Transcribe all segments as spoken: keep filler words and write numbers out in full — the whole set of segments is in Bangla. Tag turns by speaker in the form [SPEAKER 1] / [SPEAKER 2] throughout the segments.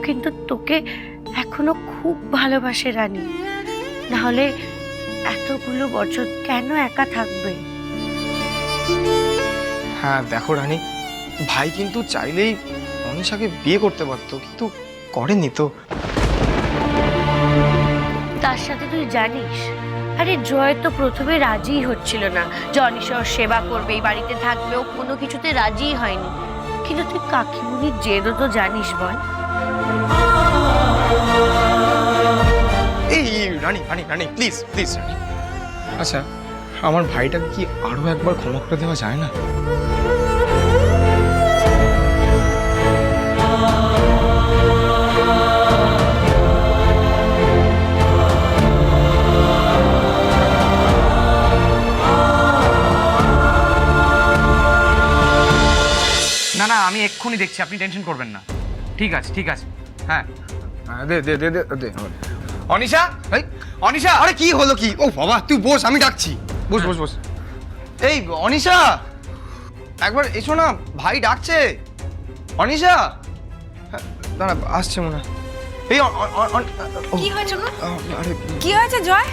[SPEAKER 1] কিন্তু তোকে এখনো খুব ভালোবাসে রানী, নাহলে এতগুলো বছর কেন একা থাকবে?
[SPEAKER 2] হ্যাঁ দেখো রানী, ভাই কিন্তু চাইলেই অনিশাকে বিয়ে করতে পারতো, কিন্তু করেনি তো।
[SPEAKER 1] তার সাথে তুই জানিস, আরে জয় তো প্রথমে রাজিই হচ্ছিল না যে অনিশা ওর সেবা করবে, এই বাড়িতে থাকবে, ও কোনো কিছুতে রাজিই হয়নি। কিন্তু তুই কাকিমুনির জেদও তো জানিস বল।
[SPEAKER 2] এই রানী রানী রানী প্লিজ প্লিজ রানী, আচ্ছা আমার ভাইটাকে কি আরো একবার ক্ষমা করে দেওয়া যায় না?
[SPEAKER 3] না না, আমি এক্ষুনি দেখছি, আপনি টেনশন করবেন না। ঠিক আছে ঠিক আছে, হ্যাঁ।
[SPEAKER 2] হ্যাঁ, দে দে দে দে দে
[SPEAKER 3] অনিশা, এই অনিশা,
[SPEAKER 2] আরে কি হলো কি? ও বাবা তুই বস, আমি ডাকছি। বস বস বস। এই অনিশা, একবার এসো না, ভাই ডাকছে। অনিশা, হ্যাঁ, দাঁড়া আসছে মনে হয়। এই অ- অ- অ- অ- ও,
[SPEAKER 4] কি হয়েছে গো?
[SPEAKER 2] আরে
[SPEAKER 4] কি হয়েছে জয়?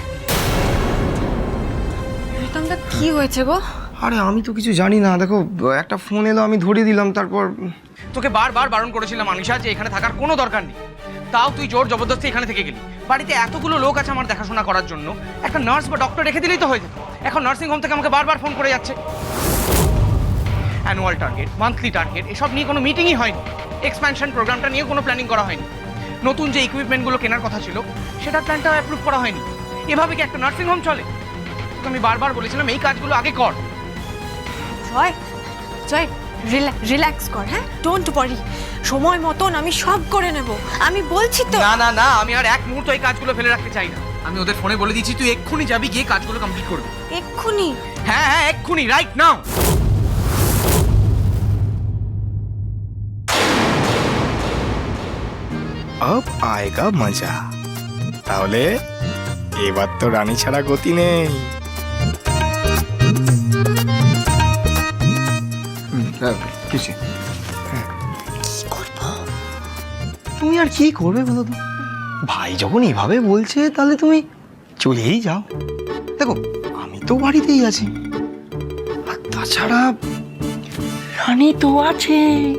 [SPEAKER 4] প্রীতমদা কি হয়েছে গো?
[SPEAKER 2] আরে আমি তো কিছু জানি না, দেখো একটা ফোন এলো, আমি ধরিয়ে দিলাম, তারপর
[SPEAKER 3] তোকে বারবার বারণ করেছিলাম অনিশা যে এখানে থাকার কোনো দরকার নেই, তাও তুই জোর জবরদস্তি এখানে থেকে গেলি। বাড়িতে এতগুলো লোক আছে আমার দেখাশোনা করার জন্য, একটা নার্স বা ডক্টর রেখে দিলেই তো হয়ে যেত। এখন নার্সিং হোম থেকে আমাকে বারবার ফোন করে যাচ্ছে। অ্যানুয়াল টার্গেট, মান্থলি টার্গেট, এসব নিয়ে কোনো মিটিংই হয়নি। এক্সপ্যানশন প্রোগ্রামটা নিয়ে কোনো প্ল্যানিং করা হয়নি। নতুন যে ইকুইপমেন্টগুলো কেনার কথা ছিল সেটার প্ল্যানটা অ্যাপ্রুভ করা হয়নি। এভাবে কি একটা নার্সিং হোম চলে? তোকে আমি বারবার বলেছিলাম এই কাজগুলো আগে কর।
[SPEAKER 4] জয় জয় রিল্যাক্স কর, হ্যাঁ, ডোন্ট ওয়ারি, সময় মতন আমি সব করে নেব, আমি বলছি তো।
[SPEAKER 3] না না না, আমি আর এক মুহূর্ত এই কাজগুলো ফেলে রাখতে চাই না। আমি ওদের ফোনে বলে দিচ্ছি তুই এক্ষুনি যাবি, গিয়ে কাজগুলো কমপ্লিট করবি।
[SPEAKER 4] এক্ষুনি?
[SPEAKER 3] হ্যাঁ হ্যাঁ এক্ষুনি, রাইট নাও।
[SPEAKER 2] अब आएगा मजा। তাহলে এবার তো রানী ছাড়া গতি নেই। কিছু তুমি আর কি করবে বলো তো? ভাই যখন এইভাবে বলছে তাহলে তুমি চলেই যাও। দেখো আমি তো বাড়িতেই আছি, আর তাছাড়া
[SPEAKER 1] রানী তো আছে।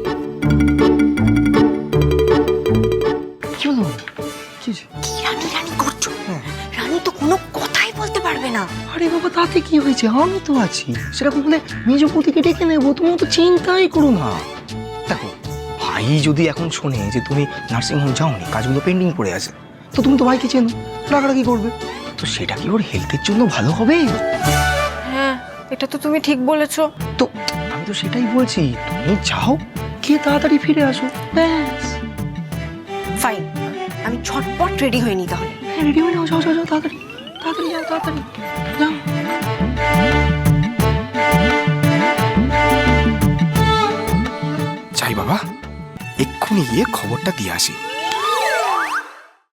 [SPEAKER 2] কি হলো? কি হয়েছে?
[SPEAKER 4] কি রানী রানী করছো? রানী তো কোনো কথাই বলতে পারবে না।
[SPEAKER 2] আরে বাবা তাতে কি হয়েছে, আমি তো আছি। সেরকম হলে মেজপতিকে ডেকে নেবো, তুমি তো চিন্তাই করো না। দেখো ভাই যদি এখন শোনে যে তুমি নার্সিং হোম যাওনি, কাজগুলো পেন্ডিং পড়ে আছে, তো তুমি তো ভাইকে চেনো, রাগারাগি করবে, তো সেটা কি ওর হেলথের জন্য ভালো হবে?
[SPEAKER 4] হ্যাঁ, এটা তো তুমি ঠিক বলেছো।
[SPEAKER 2] তো আমি তো সেটাই বলছি, তুমি যাও, গিয়ে তাড়াতাড়ি ফিরে আসো, ব্যাস।
[SPEAKER 4] ফাইন, আমি ছটপট রেডি হয়ে নি তাহলে।
[SPEAKER 2] হ্যাঁ রেডি হয়ে যাও, যাও যাও যাও, তাড়াতাড়ি তাড়াতাড়ি যাও, তাড়াতাড়ি যাও। যাই বাবা, এক্ষুনি গিয়ে খবরটা দিয়ে আসি।